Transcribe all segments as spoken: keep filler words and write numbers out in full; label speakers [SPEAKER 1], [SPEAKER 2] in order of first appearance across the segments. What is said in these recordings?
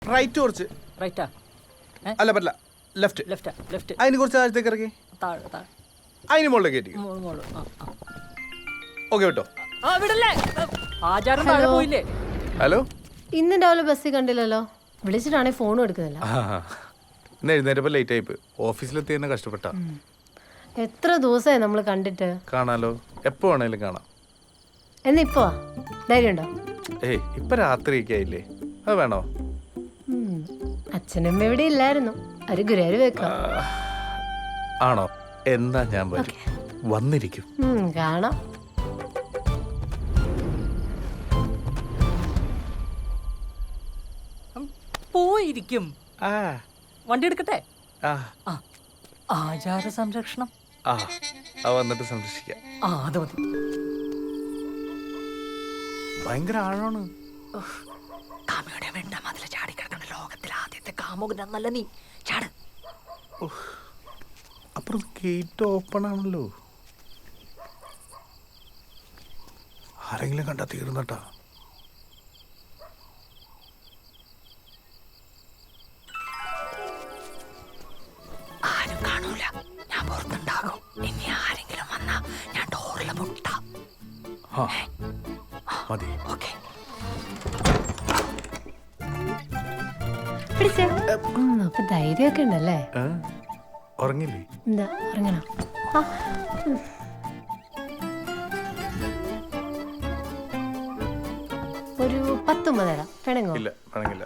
[SPEAKER 1] Right കുറച്ച്.
[SPEAKER 2] റൈറ്റാ?
[SPEAKER 1] അല്ല പറ്റില്ല, ലെഫ്റ്റ്.
[SPEAKER 2] ലെഫ്റ്റാ? ലെഫ്റ്റ്.
[SPEAKER 1] അതിന് കുറച്ച് താഴത്തേക്ക് ഇറക്കി.
[SPEAKER 2] താഴെ താഴെ.
[SPEAKER 1] അതിന് മുകളിലേക്ക് കയറ്റി.
[SPEAKER 2] മോള് മോള്. ആ ആ.
[SPEAKER 1] ഓക്കെ കേട്ടോ.
[SPEAKER 2] ആ വിടല്ലേ. ആചാരം താഴെ പോയില്ലേ?
[SPEAKER 1] ഹലോ.
[SPEAKER 3] ഇന്ന് രാവിലെ ബസ്സിൽ കണ്ടില്ലല്ലോ. വിളിച്ചിട്ടാണെങ്കിൽ ഫോണും എടുക്കുന്നില്ല.
[SPEAKER 1] ഇന്ന് എഴുന്നേറ്റപ്പോൾ ലേറ്റ് ആയിപ്പ്. ഓഫീസിലെത്തി തന്നെ കഷ്ടപ്പെട്ട.
[SPEAKER 3] എത്ര ദിവസമായി നമ്മൾ കണ്ടിട്ട്.
[SPEAKER 1] കാണാലോ, എപ്പോ വേണേലും കാണാം.
[SPEAKER 3] എന്നിപ്പോ ധൈര്യമുണ്ടോ?
[SPEAKER 1] ഏയ് ഇപ്പൊ രാത്രിയൊക്കെ ആയില്ലേ, അത് വേണോ?
[SPEAKER 3] അച്ഛനമ്മ ഇവിടെ ഇല്ലായിരുന്നു. ഒരു ഗുരുവായൂർ വെക്കാം.
[SPEAKER 1] ആണോ? എന്നാ ഞാൻ വരും, വന്നിരിക്കും.
[SPEAKER 3] കാണാം.
[SPEAKER 2] പോയിരിക്കും.
[SPEAKER 1] ആ
[SPEAKER 2] വണ്ടി എടുക്കട്ടെ?
[SPEAKER 1] ആ
[SPEAKER 2] ആ ആചാര സംരക്ഷണം.
[SPEAKER 1] ആ ആ വന്നിട്ട് സംരക്ഷിക്കാം.
[SPEAKER 2] ആ അത് മതി.
[SPEAKER 1] ഭയങ്കര ആഴമാണ്.
[SPEAKER 2] കാമയുടെ വേണ്ട മതില ചാടി കിടക്കുന്ന ലോകത്തിലെ ആദ്യത്തെ കാമുകൻ എന്നല്ല നീ. ചാട്.
[SPEAKER 1] അപ്പുറം ഗേറ്റ് ഓപ്പൺ ആണല്ലോ. ആരെങ്കിലും കണ്ടാ തീർന്നട്ടാ.
[SPEAKER 2] ആരും കാണൂല, ഞാൻ പുറത്തുണ്ടാകും. ഇനി ആരെങ്കിലും വന്നാ ഞാൻ ഡോറിലെ മുട്ട.
[SPEAKER 1] മതി.
[SPEAKER 2] ഓക്കെ.
[SPEAKER 3] അപ്പൊ ധൈര്യമൊക്കെ ഉണ്ടല്ലേ?
[SPEAKER 1] ഉറങ്ങില്ലേ?
[SPEAKER 3] എന്താ ഉറങ്ങണം? ഒരു പത്തൊമ്പത് തരാം. പിണങ്ങോ?
[SPEAKER 1] ഇല്ല, പിണങ്ങില്ല.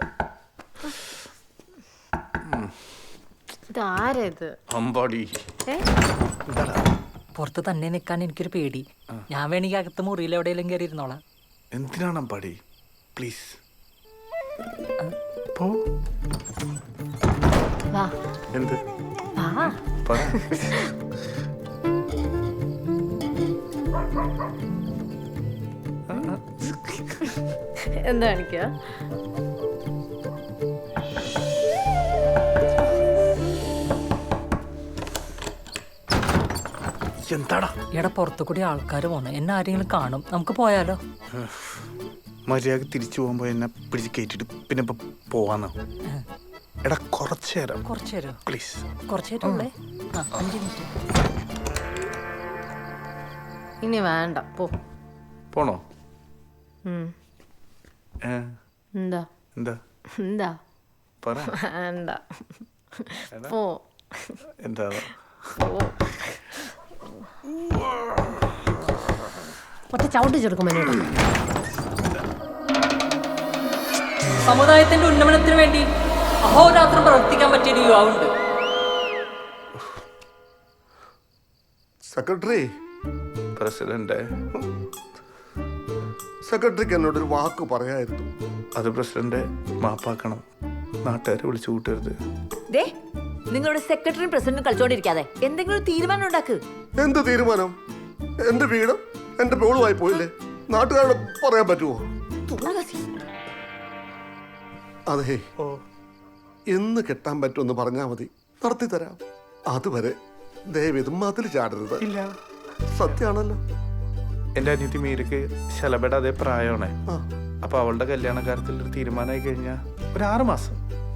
[SPEAKER 3] ഇതാരത്?
[SPEAKER 1] അമ്പാടി.
[SPEAKER 2] പുറത്ത് തന്നെ നിൽക്കാൻ എനിക്കൊരു പേടി. ഞാൻ വേണമെങ്കിൽ അകത്ത് മുറിയിൽ എവിടെയെങ്കിലും കയറി ഇരുന്നോളാം.
[SPEAKER 1] എന്തിനാണ് അമ്പാടി? പ്ലീസ് പോ.
[SPEAKER 3] വാ.
[SPEAKER 1] എന്ത്?
[SPEAKER 3] വാ.
[SPEAKER 1] പറ.
[SPEAKER 3] എന്താ കാണിക്കുക?
[SPEAKER 1] എന്താടാ?
[SPEAKER 2] എടാ പുറത്തു കൂടി ആൾക്കാർ പോണു. എന്നെ ആരെങ്കിലും കാണും. നമുക്ക് പോയാലോ?
[SPEAKER 1] മര്യാദ തിരിച്ചു പോകുമ്പോ എന്നെ പിടിച്ച് കയറ്റിട്ട് പിന്നെ ഇപ്പൊ പോവാന്നോ? എടാ കുറച്ചു നേരം.
[SPEAKER 2] കുറച്ചു നേരം
[SPEAKER 1] പ്ലീസ്.
[SPEAKER 2] കുറച്ചു നേരം ഉള്ളേ. ആ അഞ്ച് മിനിറ്റ്.
[SPEAKER 3] ഇനി വേണ്ട, പോ.
[SPEAKER 1] പോണോ?
[SPEAKER 3] എന്താ
[SPEAKER 1] എന്താ
[SPEAKER 3] എന്താ
[SPEAKER 1] പറ.
[SPEAKER 3] വേണ്ട, പോ.
[SPEAKER 1] എന്താ?
[SPEAKER 3] ഒറ്റ ചവിട്ടി ചെറുക്കും.
[SPEAKER 2] സമുദായത്തിന്റെ ഉന്നമനത്തിന് വേണ്ടി അഹോരാത്രം പ്രവർത്തിക്കാൻ പറ്റിയൊരു യുവാവുണ്ട്.
[SPEAKER 4] സെക്രട്ടറി.
[SPEAKER 1] പ്രസിഡന്റ്.
[SPEAKER 4] സെക്രട്ടറിക്ക് എന്നോടൊരു വാക്ക് പറയായിരുന്നു.
[SPEAKER 1] അത് പ്രസിഡന്റ് മാപ്പാക്കണം. നാട്ടുകാരെ വിളിച്ചു കൂട്ടരുത്.
[SPEAKER 5] നിങ്ങളുടെ സെക്രട്ടറിയും പ്രസിഡന്റും കളിച്ചോണ്ടിരിക്കാതെ എന്തെങ്കിലും തീരുമാനം ഉണ്ടാക്ക്.
[SPEAKER 4] എന്ത് തീരുമാനം? എന്റെ വീടും എന്റെ പേളുമായി പോയില്ലേ? നാട്ടുകാരോട് പറയാൻ പറ്റുമോ? അതെ, എന്ന് കെട്ടാൻ പറ്റുമെന്ന് പറഞ്ഞാൽ മതി, നടത്തി തരാം. അതുവരെ ദയവേത് മതിൽ ചാടരുത്.
[SPEAKER 1] ഇല്ല,
[SPEAKER 4] സത്യാണല്ലോ.
[SPEAKER 1] എന്റെ അനിയത്തി മീരക്ക് ശലഭയുടെ അതേ പ്രായമാണ്. അപ്പൊ അവളുടെ കല്യാണ കാര്യത്തിൽ ഒരു തീരുമാനമായി കഴിഞ്ഞാ ഒരു ആറ് മാസം.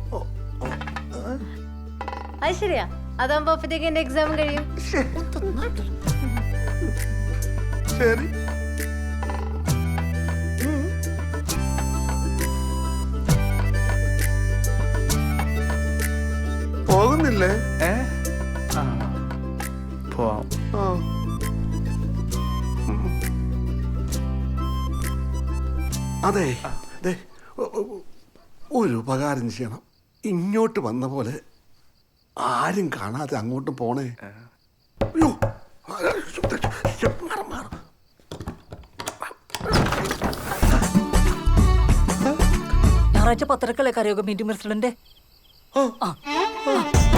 [SPEAKER 3] അത് ശരിയാ. അതാകുമ്പോ അപ്പത്തേക്ക് എന്റെ എക്സാം കഴിയും.
[SPEAKER 4] ശരി. പോകുന്നില്ലേ?
[SPEAKER 1] ഏ പോവാം.
[SPEAKER 4] അതെ, ഒരു ഉപകാരം ചെയ്യണം. ഇങ്ങോട്ട് വന്ന പോലെ ആരും കാണാതെ അങ്ങോട്ട് പോണേ. അയ്യോ,
[SPEAKER 2] ഞായറാഴ്ച പത്തരക്കല്ലേ കരയോഗ മീറ്റിംഗ് പ്രസിഡന്റ്?